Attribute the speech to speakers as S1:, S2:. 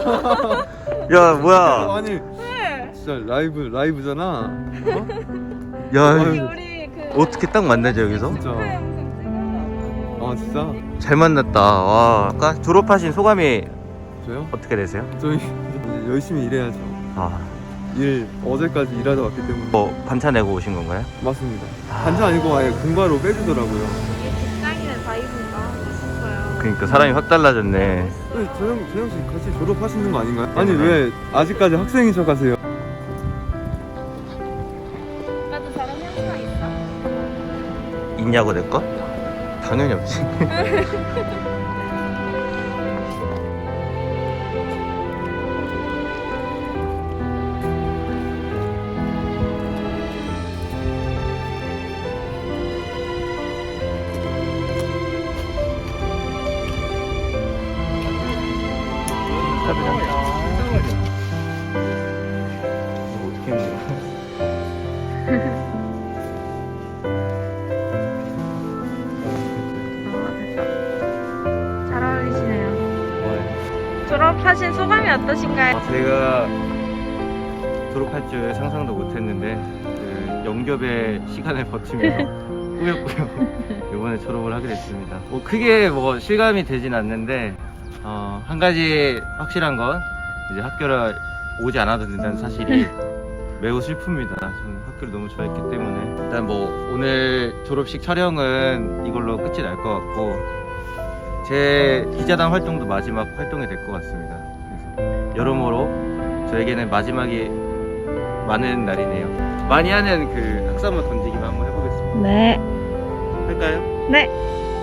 S1: 야 뭐야?
S2: 아니
S3: 네.
S2: 진짜 라이브잖아. 어?
S1: 야
S3: 우리 그
S1: 어떻게 딱 만나지 여기서?
S2: 진짜.
S3: 축하 영상 찍어.
S2: 아 진짜.
S1: 잘 만났다. 와. 아까 졸업하신 소감이
S2: 저요?
S1: 어떻게 되세요?
S2: 저희 이제 열심히 일해야죠.
S1: 아,
S2: 일 어제까지 일하다 왔기 때문에.
S1: 뭐 반차 내고 오신 건가요?
S2: 맞습니다. 반차 아니고 아예 공과로 빼주더라고요.
S3: 이게 직장인의 바이브인가 싶어요.
S1: 그러니까 사람이 확 달라졌네.
S2: 네, 저형 씨 같이 졸업하시는 거 아닌가요? 아니 왜 아직까지 학생인 척하세요?
S3: 오빠도 저런 현상 있어?
S1: 있냐고 내 거? 당연히 없지. 어떻게 먹어?
S3: 잘 어울리시네요. 졸업하신 소감이 어떠신가요?
S1: 제가 졸업할 줄 상상도 못했는데 그 영접의 시간을 버티면서 꾸역꾸역 이번에 졸업을 하게 됐습니다. 뭐 크게 뭐 실감이 되진 않는데 한 가지 확실한 건 이제 학교를 오지 않아도 된다는 사실이 매우 슬픕니다. 저는 학교를 너무 좋아했기 때문에 일단 뭐 오늘 졸업식 촬영은 이걸로 끝이 날 것 같고 제 기자단 활동도 마지막 활동이 될 것 같습니다. 그래서 여러모로 저에게는 마지막이 많은 날이네요. 많이 하는 그 학사 한번 던지기만 한번 해보겠습니다.
S3: 네.
S1: 할까요?
S3: 네.